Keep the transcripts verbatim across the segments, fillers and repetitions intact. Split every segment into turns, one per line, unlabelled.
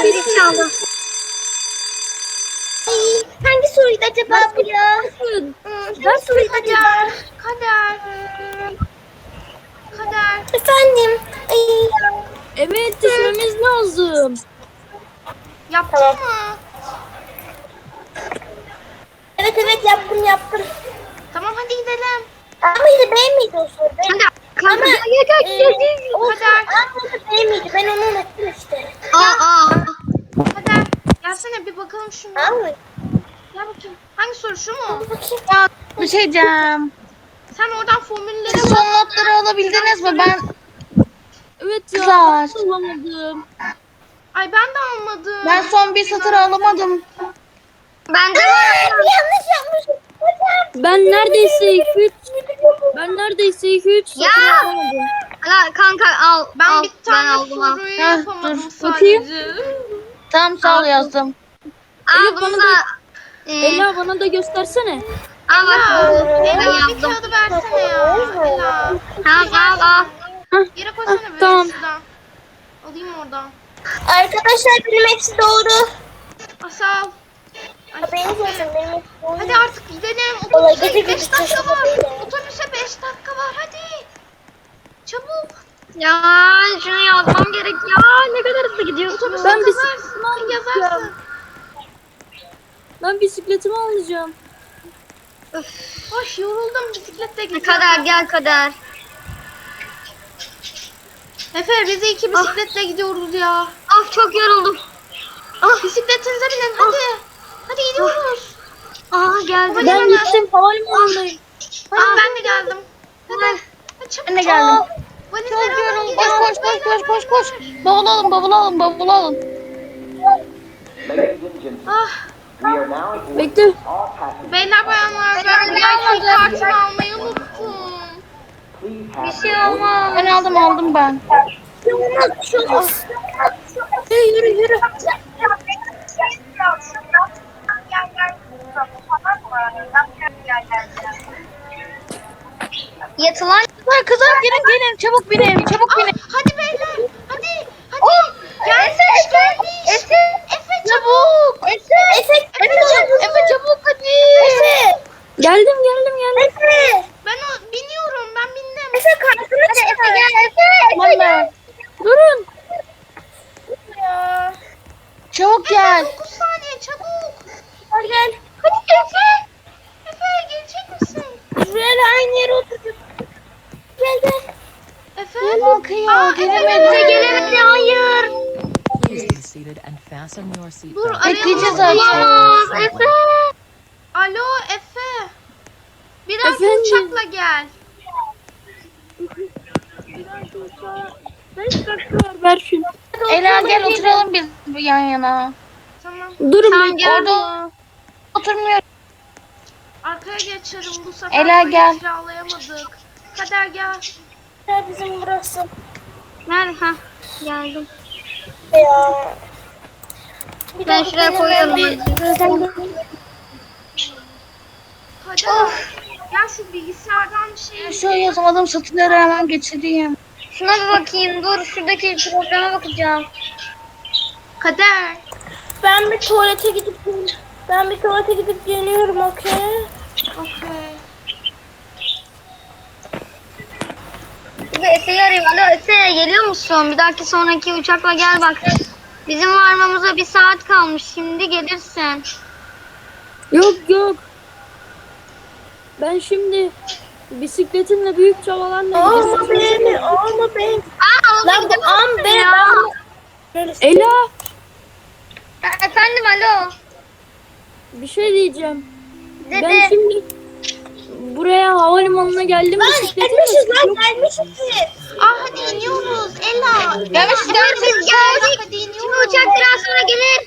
zili çaldı.
Ay, hangi soruydu acaba bu ya? Hmm, hangi soruydu acaba?
Kader. Kader.
Efendim. Ay.
Evet düşmemiz lazım.
Yaptın
Tamam.
mı?
Evet evet yaptım yaptım.
Tamam hadi gidelim.
Ama yine B miydi o soru? B.
Kanka kanka
Ama
gel gel
e,
gel gel.
o
Kader.
soru B miydi? Ben onu unuttum işte.
Aa aa.
Kader. Gelsene bir bakalım şuna.
Tamam mı?
Gel bakayım. Hangi soru şu mu?
Bakayım.
Ya bir şey diyeceğim.
Sen oradan formülleri
Siz son notları alabildiniz mi? Ben
Evet ya.
Kızlar.
Ben bulamadım.
Ay ben de almadım.
ben son bir satır alamadım.
Ben de
Aa, yanlış yapmışım. Hocam.
Ben neredeyse iki üç ben neredeyse iki üç satır
Ya!
yapamadım.
Hala kanka al.
Ben
al,
bir tane
ben aldım al.
soruyu
Heh,
yapamadım
dur,
bakayım.
sadece.
Tamam sağ ol yazdım.
Al
Evet,
bunu
bana
da. Ee,
Ela bana da göstersene.
al bak.
Ela,
Ben
Ela bir
yazdım.
kağıdı versene ya. Ela.
Tamam al al.
Yere koysana
Ah,
böyle
tamam.
şuradan. Alayım oradan.
Arkadaşlar benim hepsi doğru.
Asal. Ay,
Benim
aferin.
olsun benim hepsi doğru.
Hadi artık gidelim.
Vallahi
Otobüse
gidi
beş
gidi
dakika
çocuk
var.
değil.
Otobüse beş dakika var hadi. Çabuk.
Ya şunu yazmam gerek ya. Ne kadar hızlı gidiyorsun.
Otobüse
Ben bir
yazarsın. Yazarsın.
Ben bisikletimi alacağım.
Hoş yoruldum bisikletle
Ne
gideceğim.
kadar gel kadar.
Efe biz iki bisikletle gidiyoruz ya.
Of çok yoruldum.
Ah bisikletinize binin hadi. Hadi gidiyoruz.
Aa geldim.
Hadi
Ben
hemen.
gittim havalimanındayım.
Hadi ben de geldim. Hadi. Hadi çabuk.
Ben de geldim.
Valizleri
Çok
alın,
yoruldum.
gidiyoruz.
Koş koş koş koş koş koş. Bavul alın bavul alın bavul alın.
Ladies and gentlemen,
Ah.
we are now at
Bekle.
all passengers.
Beyler bayanlar ben V I P kartımı almayı unuttum.
Please have
Bir şey
your
olmaz.
Ben aldım aldım ben.
Olmaz, şu olmaz. Yürü yürü yürü.
Yatılan.
Kızlar kızlar gelin gelin çabuk binin çabuk
Ah,
binin.
hadi beyler. Hadi. Hadi. Gelmiş gelmiş.
Efe.
Efe çabuk.
Efe. Efe. Efe çabuk.
Efe çabuk hadi.
Efe.
Geldim geldim geldim.
Efe.
Ben o biniyorum ben bindim.
Efe kartını çıkar.
Efe gel Efe.
Tamam ben.
Durun.
Ya.
Çabuk gel.
dokuz saniye çabuk.
Hadi gel.
Hadi Efe. Efe gelecek misin?
Şuraya aynı yere oturduk. Gel gel.
Efe.
Bakıyor
Aa,
gelemedi.
Efe
Gelemedi hayır.
Please be seated and fasten your
Dur
seatbelt.
Bekleyeceğiz
arayalım.
zaten.
Olamaz Efe.
Alo Efe. Bir dahaki
Efendim?
uçakla gel.
beş dakika var ver şunu.
Ela gel oturalım biz yan yana.
Tamam.
Durun
Sen
bekle.
gel.
Orada oturmuyoruz.
Arkaya geçelim bu sefer.
Ela,
böyle
gel.
kiralayamadık. Kader gel.
Ya bizim burası.
Nerede? Ha geldim.
Ya. Bir
Ben
dakika,
şuraya
benim
koyuyorum.
bir-
Kader. Gel şu bilgisayardan bir şey.
Şu yazamadım satırları hemen geçireyim.
Şuna bir bakayım. Dur şuradaki programa bakacağım.
Kader.
Ben bir tuvalete gidip ben bir tuvalete gidip geliyorum, okey?
Okey.
Bir de Efe'yi arayayım. Alo Efe geliyor musun? Bir dahaki sonraki uçakla gel bak. Bizim varmamıza bir saat kalmış. Şimdi gelirsin.
Yok yok. Ben şimdi bisikletimle büyük çabalarla
Alma
gidiyorum.
beni, alma beni.
Aa,
Lan bu am be.
ya.
Böyle
Ela
Ha, Efendim alo.
bir şey diyeceğim.
Dede.
Ben şimdi buraya havalimanına geldim. bisikletimle
gelmişiz lan,
Yok,
gelmişiz ki.
Ah hadi iniyoruz. Ela.
Gelmişiz
Dur
gelmişiz.
biz geldik.
Hadi
Şimdi
iniyoruz.
uçak biraz sonra gelir.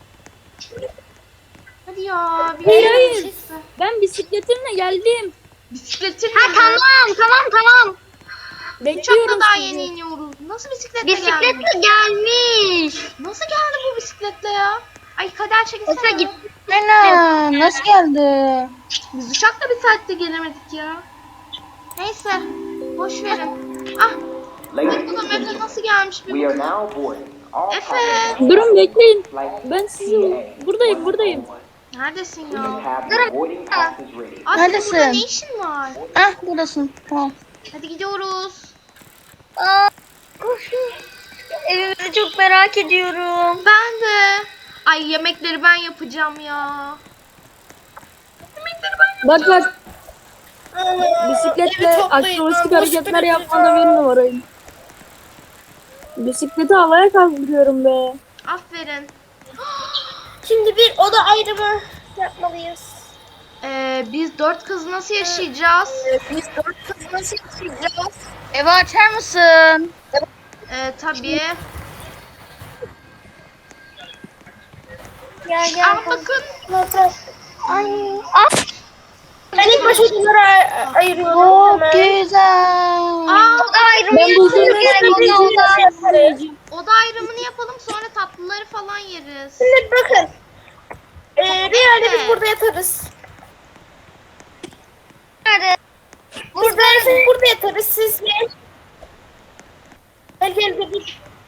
Hadi ya. Bir
Hayır,
yere
hayır.
gideceksin.
Ben bisikletimle geldim.
Bisikletin
Ha
mi?
tamam tamam tamam.
Bekliyorum
Uçakla daha
sizi.
yeni iniyoruz. Nasıl bisikletle geldin?
Bisikletle gelmiş.
Nasıl geldi bu bisikletle ya? Ay Kader çekilsene.
Efe git.
Ela nasıl geldi?
Biz uçakla bir saatte gelemedik ya. Neyse. Boş verin. Ah.
Ladies
Bakalım
and
Efe
gentlemen,
nasıl gelmiş bir
we are
bakalım.
now boarding All
Efe.
passengers
Durun bekleyin.
flight
Ben sizi
T A
buradayım buradayım.
Neredesin
Please
ya?
have your boarding passes ready.
Aa, senin
Neredesin?
burada ne işin var?
Ah buradasın. Tamam.
Hadi gidiyoruz.
Aa, evimizi çok merak ediyorum.
Ben de. Ay yemekleri ben yapacağım ya. Yemekleri ben
Bak bak. Bisikletle akrobastik hareketler yapmada bir numarayım. Bisikleti havaya kaldırıyorum be.
Aferin.
Şimdi bir oda ayrımı yapmalıyız.
Ee, biz dört kız nasıl yaşayacağız?
Biz dört kız nasıl yaşayacağız?
Evi açar mısın?
Ee, tabii.
Gel gel.
Ama bakın.
Ay. Ah.
Ben ilk başta odaları ay- ayırıyorum.
Çok
hemen.
güzel.
Aa,
Oda ayrımı
Ben buldum.
yapıyoruz yani
Bir
oda oda.
şey yaparız.
oda ayrımını yapalım sonra tatlıları falan yeriz.
Şimdi bakın. Ee, bir yerde biz burada yatarız.
Nerede?
Biz de burada yatarız. Siz gel. Gel gel gel.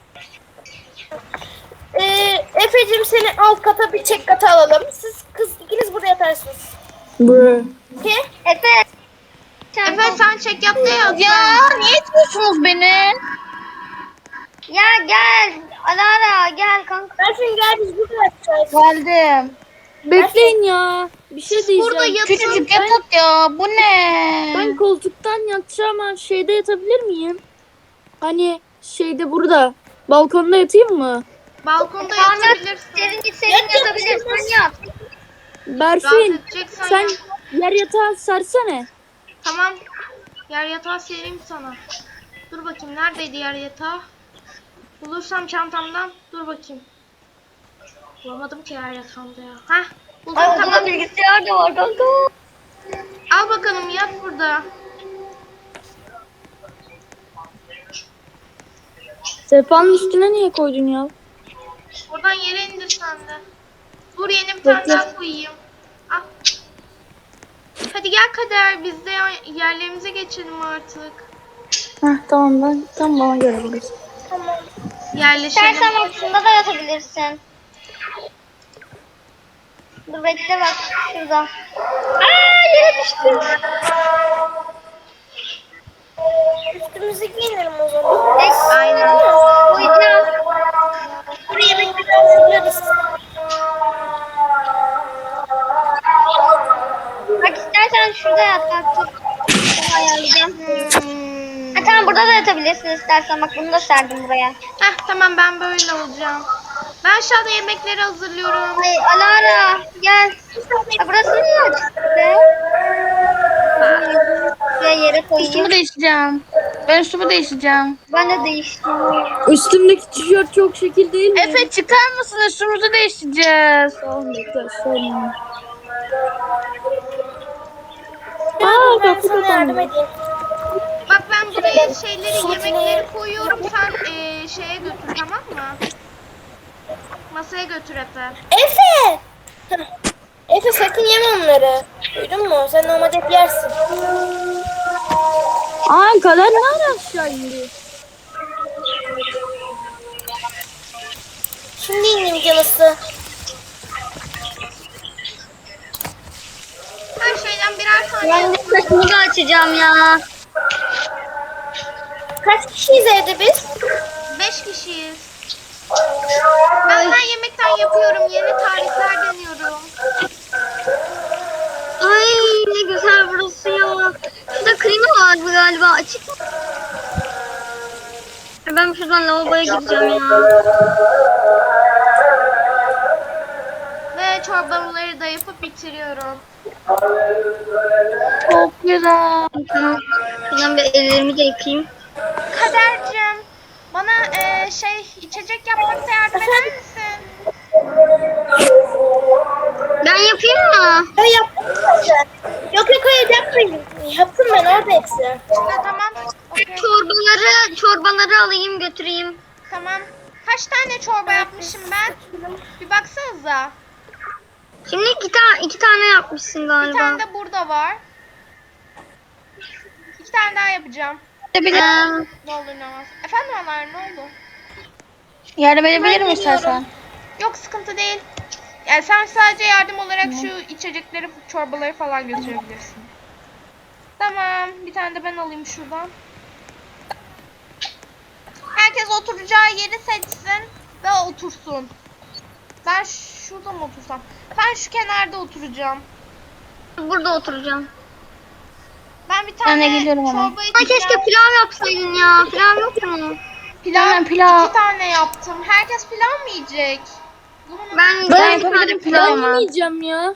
Ee, Efe'cim seni alt kata bir çek kata alalım. Siz kız ikiniz burada yatarsınız.
Bro.
Okey?
Efe.
Efe sen çek yap da yat.
Ya niye itiyorsunuz beni?
Ya gel. Alara gel kanka.
Berfin gel biz burada yatacağız.
Geldim.
Bekleyin ya. Bir şey diyeceğim.
Burada yatın.
Küçücük yatak ya. Bu ne?
Ben koltuktan yatacağım ama şeyde yatabilir miyim? Hani şeyde burada. Balkonda yatayım mı?
Balkonda
Tamam yat.
yatabilirsin.
Serin serin yatabilirsin yat.
Rahat
Berfin
edeceksen
sen
yat.
yer yatağı sersene.
Tamam. Yer yatağı sereyim sana. Dur bakayım neredeydi yer yatağı? Bulursam çantamdan. Dur bakayım. Bulamadım ki yer yatağında ya. Heh. Buldum
Ay
tamam.
odada bilgisayar da var kanka.
Al bakalım yat burada.
Sehpanın üstüne niye koydun ya?
Oradan yere indir sen de. Dur yeni bir tane
Bekle.
daha koyayım. Al. Hadi gel Kader biz de ya- yerlerimize geçelim artık.
Heh tamam ben tam bana göre burası.
Yerleşelim.
İstersen aslında da yatabilirsin. Dur bekle bak şurada. Aa yere düştüm.
Üstümüzü giyinelim o zaman.
Aynen.
Uyuyacağım.
Buraya bekle hazırlarız.
Bak istersen şurada yat bak. Dur. Bunu ayarlayacağım.
Hmm.
Ha, tamam burada da yatabilirsin istersen. Bak bunu da serdim buraya.
Heh tamam ben böyle olacağım. Ben aşağıda yemekleri hazırlıyorum.
Ay Alara gel. Ya burası niye açık be? Şuraya yere
Üstümü
koyayım.
değiştireceğim. Ben üstümü değiştireceğim.
Ben de değiştim.
Üstümdeki tişört çok şekil değil mi?
Efe çıkar mısın? Üstümüzü değiştireceğiz.
Tamam bekle sorun. Aa
Ben
kapı
sana yardım
kapandı.
edeyim.
Bak ben buraya şeyleri yemekleri koyuyorum. Sen eee, şeye götür tamam mı? Masaya götür Efe.
Efe! Heh. Efe sakın yeme onları. Duydun mu? Sen normalde hep yersin.
Aa Kader ne ara aşağı indi?
Şimdi indim canısı.
Her şeyden birer tane
Ben de
yapıyorum.
saçımı da açacağım ya.
Kaç kişiyiz evde biz?
Beş kişiyiz. Ben her yemekten yapıyorum. Yeni tarifler deniyorum.
Ay ne güzel burası ya. Şurada klima vardı galiba açık mı? Ya ben şuradan lavaboya gideceğim ya.
Ve çorbaları da yapıp bitiriyorum.
Çok güzel.
Tamam. Şuradan bir ellerimi de yıkayayım.
Kadercim, bana eee, şey içecek yapmakta yardım eder misin?
Ben yapayım mı?
Ya yaptım zaten. Yok yok hayır yapmayın. Yaptım ben orada hepsi.
Ha, tamam. Okey.
Çorbaları, çorbaları alayım götüreyim.
Tamam. Kaç tane çorba yapmışım ben? Bir baksanıza.
Şimdi iki, ta iki tane yapmışsın
Bir
galiba.
tane de burada var. İki tane daha yapacağım.
Ee,
Ne olur ne olmaz. Efendim Ömer ne oldu?
Yardım edebilir mi istersen?
Yok sıkıntı değil. Yani sen sadece yardım olarak şu içecekleri, çorbaları falan götürebilirsin. Tamam. Bir tane de ben alayım şuradan. Herkes oturacağı yeri seçsin ve otursun. Ben şurada mı otursam? Ben şu kenarda oturacağım.
Burada oturacağım.
Ben bir
Ben
tane
de geliyorum hemen.
çorba
Ay
içeceğim.
keşke pilav yapsaydın ya. Pilav yok mu?
Pilav,
Hemen pilav.
iki tane yaptım. Herkes pilav mı yiyecek? Bunu-
Ben,
Ben
ben bir tane
yapabilirim
pilav
Ben
pilav ama.
yemeyeceğim ya.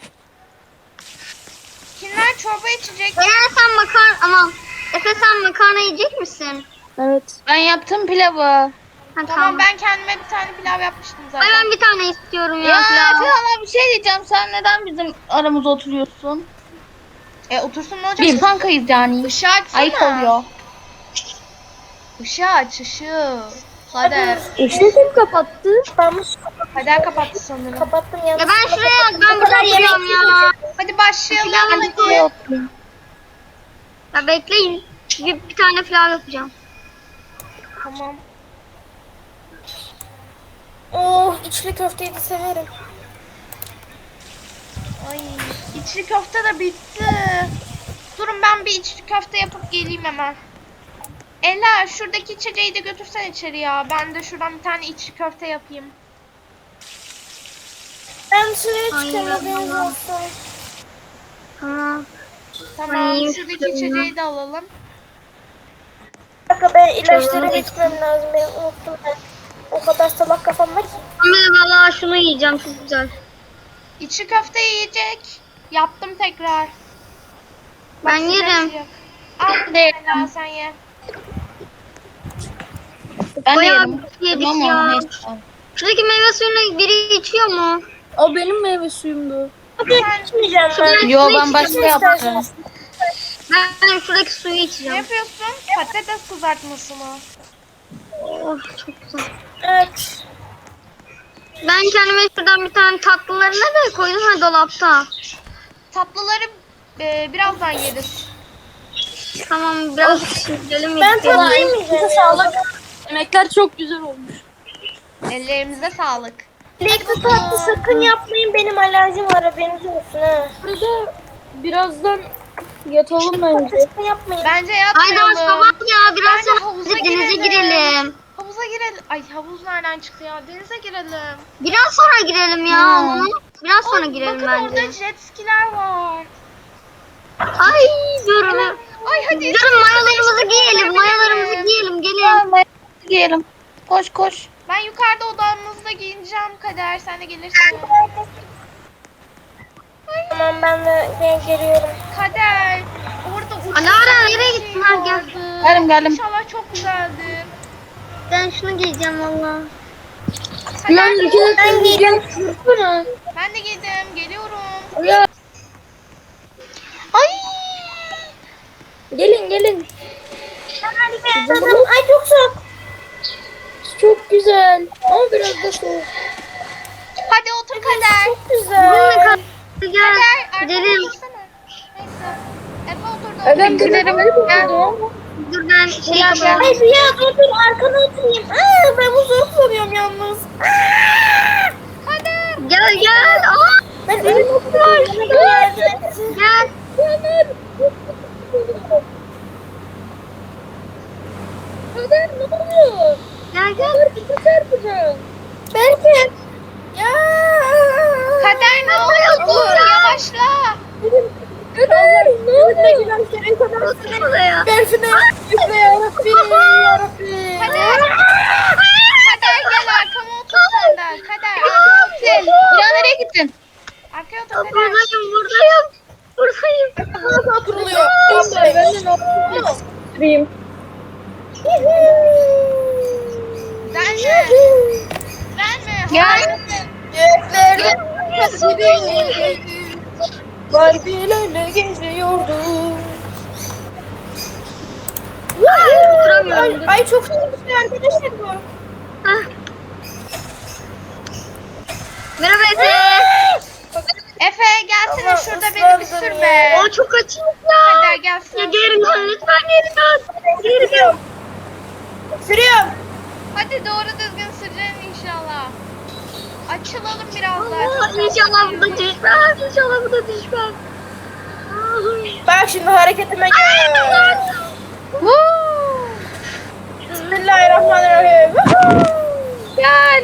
Kimler çorba içecek?
Eğer sen makarna aman Efe sen makarna yiyecek misin?
Evet.
Ben yaptım pilavı.
Ha,
Tamam,
tamam.
ben kendime bir tane pilav yapmıştım
Ay
zaten.
ben bir tane istiyorum ya,
Ya
pilav.
sana bir şey diyeceğim. Sen neden bizim aramıza oturuyorsun?
E otursun ne olacak?
Biz kankayız yani.
Işığı açsana.
Ayıp oluyor.
Işığı aç ışığı. Kader.
Işığı kim kapattı?
Kapanmış.
Kader kapattı sanırım.
Kapattım ya.
Ya ben şuraya ben burada oturuyorum ya.
Hadi başlayalım.
Pilav
Hadi.
Şuraya oturayım.
Ya bekleyin. Bir, bir tane pilav yapacağım.
Tamam.
Oh, içli köfteyi de severim.
Ay içli köfte de bitti. Durun ben bir içli köfte yapıp geleyim hemen. Ela şuradaki içeceği de götürsen içeri ya. Ben de şuradan bir tane içli köfte yapayım.
Ben dışarıya
Ay,
çıkıyorum, haberiniz
Allah.
olsun.
Tamam.
Tamam
Ay,
şuradaki
istiyorum ya.
içeceği de alalım.
Bir dakika, ben ilaçları
Tamam.
getirmem lazım. Ben unuttum ben. O kadar salak kafam var ki.
Ama valla şunu yiyeceğim, çok güzel.
İçli köfte yiyecek. Yaptım tekrar.
Ben
sıcak
yerim.
sıcak. Al Ela sen ye.
Ben de
Bayağı
yerim.
bir yedik
Tamam
ya.
mı? Neyse.
Şuradaki meyve suyunu biri içiyor mu?
O benim meyve suyumdu.
Hadi içmeyeceğim ben.
Yo ben başka yaptım.
İsterseniz.
Ben şuradaki suyu
Ne
içeceğim.
yapıyorsun? Patates kızartması mı?
Oh çok güzel.
Evet.
Ben kendime şuradan bir tane tatlılarını da koydum ha dolapta.
Tatlıları e, birazdan yeriz.
Tamam biraz sürelim.
Ben tatlı yemeyeceğim.
Sağlık. Yemekler çok güzel olmuş.
Ellerimize sağlık.
Çilekli tatlı sakın yapmayın. Benim alerjim var, haberiniz olsun ha.
Burada birazdan yatalım bence.
Sakın yapmayın.
Bence
Ay daha
yatmayalım.
sabah ya biraz
Bence
sonra
havuza
denize
girelim.
girelim.
Havuza girelim. Ay havuz nereden çıktı ya? Denize girelim.
Biraz sonra girelim ya.
Hmm.
Onu biraz sonra
Ay,
girelim
bakın
bence.
orada jet skiler var.
Ay durun.
Ay hadi.
Durun mayolarımızı giyelim. Mayolarımızı giyelim. Gelin.
Gel giyelim. Koş koş.
Ben yukarıda odamızda giyineceğim Kader. Sen de gelirsin.
Tamam, ben de ben geliyorum.
Kader. Orada uçak
Alara,
bir
nereye
şey
gittin? Ha, gel.
vardı.
Geldim, geldim.
İnşallah çok güzeldi.
Ben şunu giyeceğim valla.
Kader,
Ben iki dakika
Ben
giyeceğim. Dursana.
ben de geldim. Geliyorum.
Ya,
Ay.
gelin gelin.
Zaten ay çok soğuk.
Çok güzel. Ama biraz da soğuk.
Hadi otur Kader.
Çok güzel.
Gel.
Kader arkama
Gidelim.
otursana. Neyse. Efe oturdu.
Ben bir
Gidelim.
Gel.
Dur ben şey
Ay
yapacağım.
Rüya dur dur, arkana oturayım. Aa, ben bu zor kullanıyorum yalnız.
Gel gel. Aa,
Ben önüme oturuyorum.
gel.
Kader ne oluyor?
Gel gel.
Kader bizi çarpacağım.
Belki. Ya.
Kader ne oldu? Yavaşla.
Kader ne oluyor?
Otur buraya.
Berfine. Üfle yarabbim. Yarabbim.
Kader. Kader gel arkama otur sen de. Kader arkaya otur.
Ya nereye gittin?
Arkaya otur
Aa,
Kader.
Buradayım buradayım. Buradayım.
Nasıl oturuluyor?
Ben de ne yapayım?
Verme. Verme.
Gel.
Göklerde Barbie'lerle geziyordum. Ay,
Oturamıyorum.
ay çok güzel arkadaşlar bu.
Hah. Merhaba Efe.
Efe gelsene
Tamam,
şurada beni bir sür
ıslandım
be.
ya.
Aa çok açım ya.
Kader
Ya
gelsene.
geri dön lütfen geri dön. Geri dön.
Sürüyorum.
Hadi doğru düzgün süreceksin açılalım biraz daha.
Aa,
Çok
İnşallah bu da düşmez. İnşallah bu da düşmez.
Bak şimdi hareketime gel. Bismillahirrahmanirrahim.
Gel.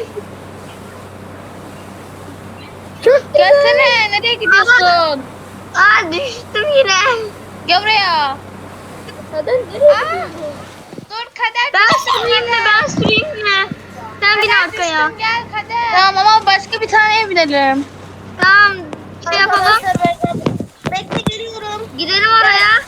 Gelsene. Nereye gidiyorsun?
Aa düştüm yine.
Gel buraya.
Neden nereye gidiyorsun?
Dur Kader.
Ben süreyim mi? Ben süreyim mi? Sen bin
Kader
arkaya.
düştüm, gel Kader.
Tamam ama başka bir taneye binelim.
Tamam. Şey yapalım.
Arkadaşlar ben bekle geliyorum.
Gidelim oraya.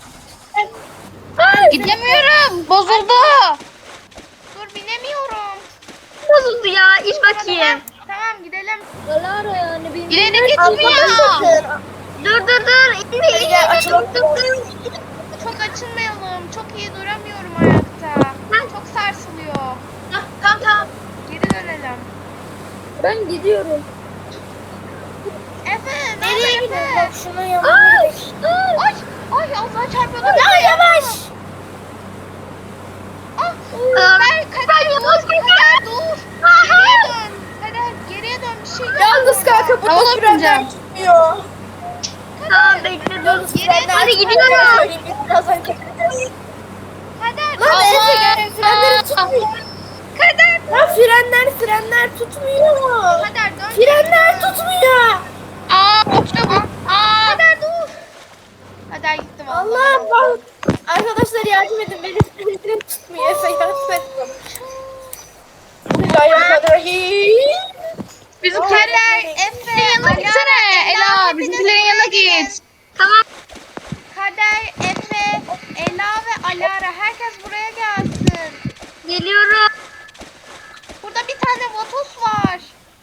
Gidemiyorum. Bozuldu.
Dur binemiyorum.
Bozuldu ya. İç bakayım.
Tamam gidelim.
Alara yani benim.
İleri gitmiyor.
Dur dur dur. İnme
Gel,
inme.
açılalım.
Dur, dur, dur.
Çok açılmayalım. Çok iyi duramıyorum ayakta. Çok sarsılıyor.
Tamam tamam.
Geri dönelim.
Ben gidiyorum.
Efe
Nereye
nerede
gidiyorsun?
Efe?
Bak şunun yanına gidelim.
Ay ay Allah çarpıyordum.
Ya yavaş.
Ah,
Aa,
Kader, Kader dur. Kader dur. Geriye dön. Kader geriye dön bir şey yok.
Yalnız kanka burada
Havalı
frenler
bineceğim.
tutmuyor.
Tamam bekle dur.
Yalnız frenler
Hadi
tutmuyor.
gidiyorum.
Söyleyeyim, biz birazdan çekeceğiz.
Kader.
Lan Efe gel frenleri tutmuyor.
Kader.
Lan frenler frenler tutmuyor.
Kader dön.
Frenler tutmuyor.
Aa çabuk. Aa.
Kader dur. Kader gitti vallahi.
Allah bak. Arkadaşlar yardım edin. Benim frenlerim tutmuyor. Efe yardım edin. Bismillahirrahmanirrahim.
Bizimkiler
Efe.
yanına gitsene. Ela bizimkilerin yanına git.
Tamam.
Kader, Efe, Ela ve Alara herkes buraya gelsin.
Geliyorum.
Burada bir tane Vatos var.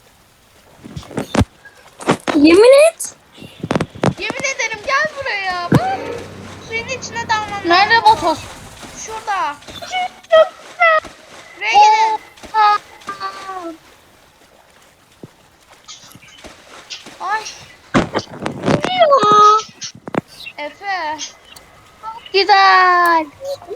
Yemin et.
Yemin ederim gel buraya. Bak. Suyun içine dalmam lazım.
Nerede Botos?
Şurada. Buraya gelin. Ay. Efe.
Güzel.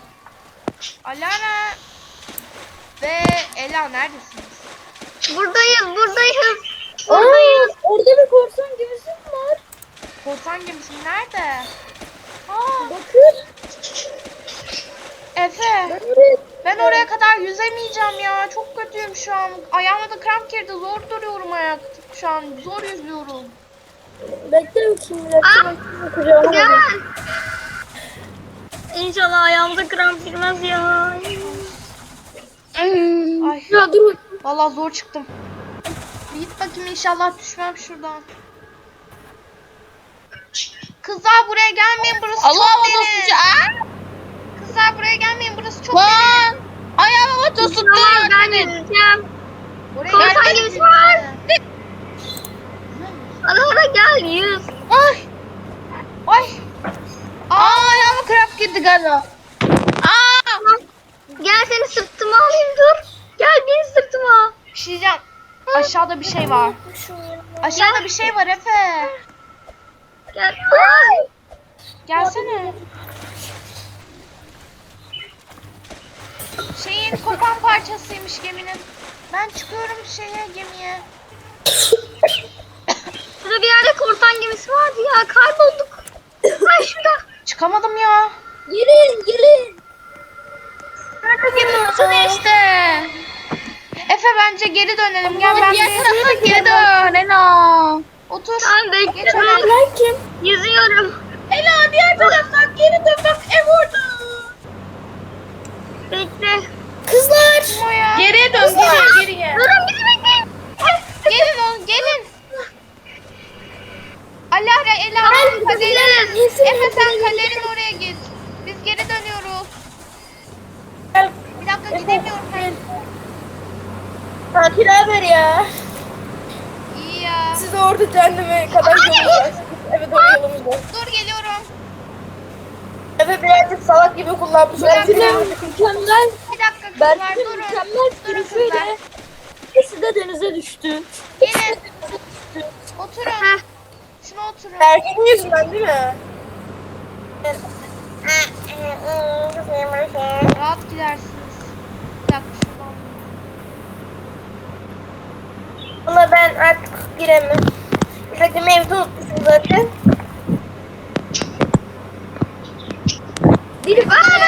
Alara ve Ela neredesiniz?
Buradayız buradayız.
Aa,
Buradayız.
orada bir korsan gemisi mi var?
Korsan gemisi nerede? Aa,
Bakın.
Efe.
Ben oraya
Ben oraya kadar yüzemeyeceğim ya. Çok kötüyüm şu an. Ayağıma da kramp girdi. Zor duruyorum ayakta. Şu an zor yüzüyorum.
bekle bakayım. Bir dakika bakayım. Kucağıma
Gel.
bakayım.
İnşallah ayağımıza kramp girmez ya.
Ay.
Ya dur.
Vallahi zor çıktım. Bir git bakayım inşallah düşmem şuradan. Kızlar buraya gelmeyin burası
Allah
çok
Botos.
derin.
Aa.
Kızlar buraya gelmeyin burası çok derin.
Lan. Ayağıma Botos tuttu.
Tamam ben yüzeceğim.
Oraya
Korsan
gelmeyin.
gemisi var. Alara gel yüz.
Ay.
Ay.
Aa ayağıma kramp girdi galiba. Aa.
Gel seni sırtıma alayım dur. Gel beni sırtıma.
Bir şey diyeceğim. Aşağıda bir şey var. Aşağıda bir şey var Efe.
Gel. Ay.
Gelsene. Şeyin kopan parçasıymış geminin. Ben çıkıyorum şeye gemiye.
Şurada bir yerde korsan gemisi vardı ya. Kaybolduk. Ay şurada.
Çıkamadım ya.
Gelin gelin.
Nerede gemi
Sana işte.
Efe bence geri dönelim. Gel ben
Diğer
bir
tarafa geri dön Ela.
otur.
Tamam bekle.
Geç
Ben
Ben kim?
yüzüyorum.
Ela diğer taraftan geri dön bak ev orada.
Bekle.
Kızlar.
O ya.
Geriye dön geriye geriye.
Durun bizi bekleyin.
Gelin oğlum gelin. Alara, Ela,
Gel,
Kader'in.
gideriz.
Efe sen Kader'in oraya git. Biz geri dönüyoruz.
Gel.
Bir dakika gidemiyorum ben.
Tatil haber ya.
İyi ya.
Siz orada cehenneme kadar yolunuz. Evet doğru yolumuz var.
Dur geliyorum.
Efe birazcık salak gibi kullanmış
Berfin
olabilir.
mükemmel.
Bir dakika kızlar
Berfin
durun.
mükemmel
Durun
sürüşüyle.
kızlar.
İkisi de denize düştü.
Gelin. Oturun. Şuna oturun.
Erkeğin yüzünden değil mi?
Rahat gidersiniz. Bir dakika şuradan.
Valla Valla ben artık giremem. Zaten evde unutmuşum zaten.
Biri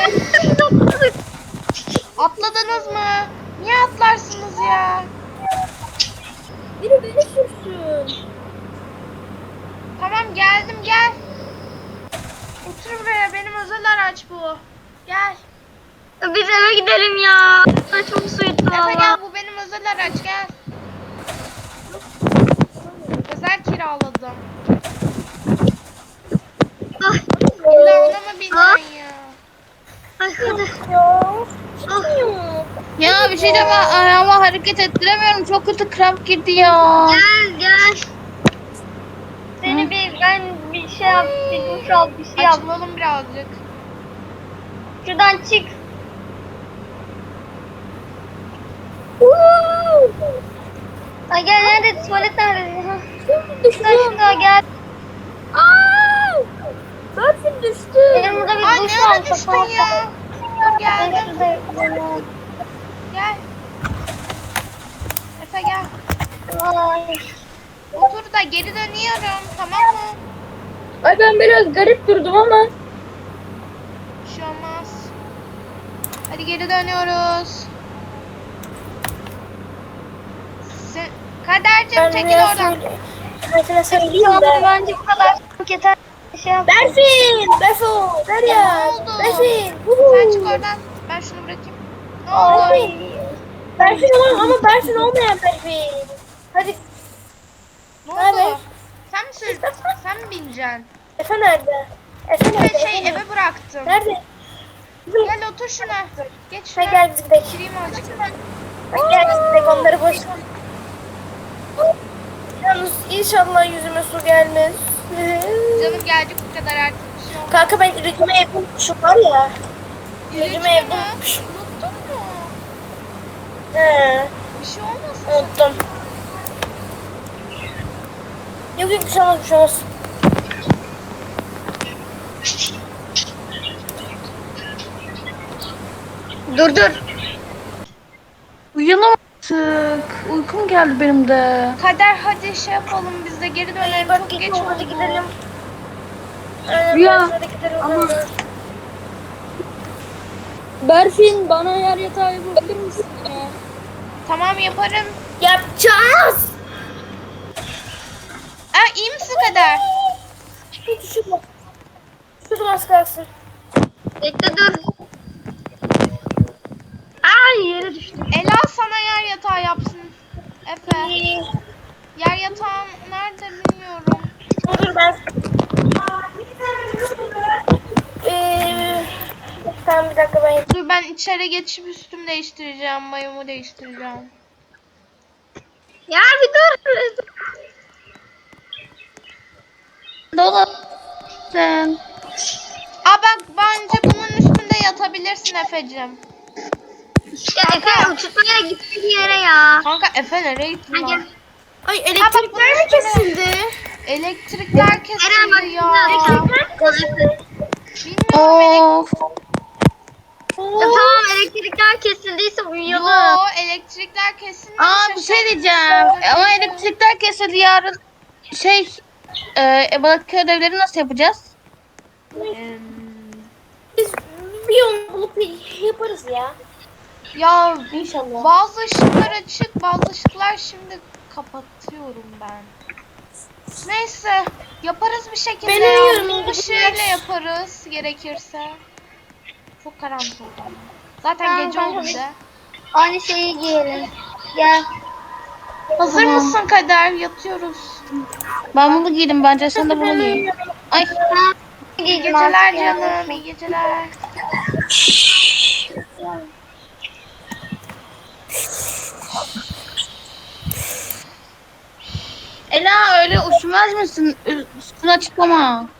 Atladınız mı? Niye atlarsınız ya?
Biri beni sürsün.
Tamam geldim gel. Otur buraya benim özel araç bu. Gel.
Biz eve gidelim ya. Çok suyutu
Efe gel
valla.
bu benim özel araç gel. Özel kiraladım.
Ay,
İlla ona mı binen ya?
ay hadi.
Ya bir şey deme ayağımı hareket ettiremiyorum. Çok kötü kramp girdi ya.
Gel gel. Seni bir ben bir şey yap, bir duş al, bir şey yap.
Açılalım birazcık.
Şuradan çık. Ay gel nerede? Tuvalet nerede? Ha. Şuradan şurada gel.
Aa! Berfin düştü.
Benim burada bir
Ay
duş
ne
var.
ara düştün ya? Dur
Ben
geldim.
şurada yapıyorum.
Gel. Efe gel.
Ay.
Otur da geri dönüyorum tamam mı?
Ay ben biraz garip durdum ama.
Bir şey olmaz. Hadi geri dönüyoruz. Sen... Kadercim
Ben
çekil
biraz
oradan.
söyle- Ben sana söyleyeyim
Tamam
de.
bence bu kadar. Yeter. Bir şey yap.
Berfin! Berfo! Derya!
Ne oldu?
Berfin!
Sen çık oradan. Ben şunu bırakayım. Ne oldu?
Berfin! Berfin olan ama Berfin olmayan Berfin. Hadi
Ne
Naber?
oldu? Sen mi sürdün? Sen mi bineceksin?
Efe nerede? Efe nerede?
Ben şey
Efe
eve bıraktım.
nerede?
Gel otur şuna. Geç
Ha
şuna.
gel biz gidelim.
Gireyim azıcık.
Ha gel biz gidelim onları boş ver. Yalnız inşallah yüzüme su gelmez.
Canım gelecek bu kadar artık bir şey olmaz.
Kanka ben ürücüme evde unutmuşum var ya.
Yürüyüşme
Ürücüme evde
mi?
unutmuşum.
Unuttun mu?
He,
Bir şey olmasın.
unuttum. Yok yok bir şey olmaz bir şey olmaz.
Dur dur.
Uyuyalım artık. Uykum geldi benim de.
Kader hadi şey yapalım biz de geri dönelim.
Bak
Çok geç
gidelim hadi
oldu.
gidelim. Aynen,
Rüya,
hadi gidelim.
ama-
hadi.
Berfin bana yer yatağı yapabilir misin ya?
Tamam yaparım.
Yapacağız.
Aa iyi misin Kader?
Hiç düşürme. Düşürdüm az kalsın.
Bekle dur. Ay yere düştüm.
Ela sana yer yatağı yapsın. Efe. Yer yatağın nerede bilmiyorum.
Dur dur ben. Ee, tamam bir dakika ben.
Dur ben içeri geçip üstümü değiştireceğim. Mayomu değiştireceğim.
Ya bir dur.
Dolap. Sen.
Aa bak bence bunun üstünde yatabilirsin Efe'cim.
Ya Efe uçurtmaya gitti yere ya.
Kanka Efe nereye gitti
Hadi.
lan?
Ay
Ha, bak
elektrikler
bunun
mi
üstüne-
kesildi?
Elektrikler
Eren bak
kesildi ya.
elektrikler
Bilmiyorum elektrik.
Of.
Ya tamam elektrikler kesildiyse uyuyalım.
Yo elektrikler kesilmiş.
Aa bir şey diyeceğim. Ama elektrikler kesildi yarın. Şey. E, Ebalıkköy ödevleri nasıl yapacağız?
Biz bir yol bulup yaparız ya.
Ya
İnşallah.
bazı ışıklar açık, bazı ışıklar şimdi kapatıyorum ben. Neyse, yaparız bir şekilde.
Ben
ya.
uyuyorum,
Mum
iyi
ışığıyla
geceler.
yaparız gerekirse. Çok karanlık oldu ama. Zaten
Tamam,
gece
tamam.
oldu bir de.
Aynı şeyi giyelim. Gel.
Hazır mısın Kader? Yatıyoruz.
Ben bunu giydim bence sen de bunu giy. Ay.
İyi geceler canım, iyi geceler.
Ela öyle üşümez misin? Üstüne açıklama.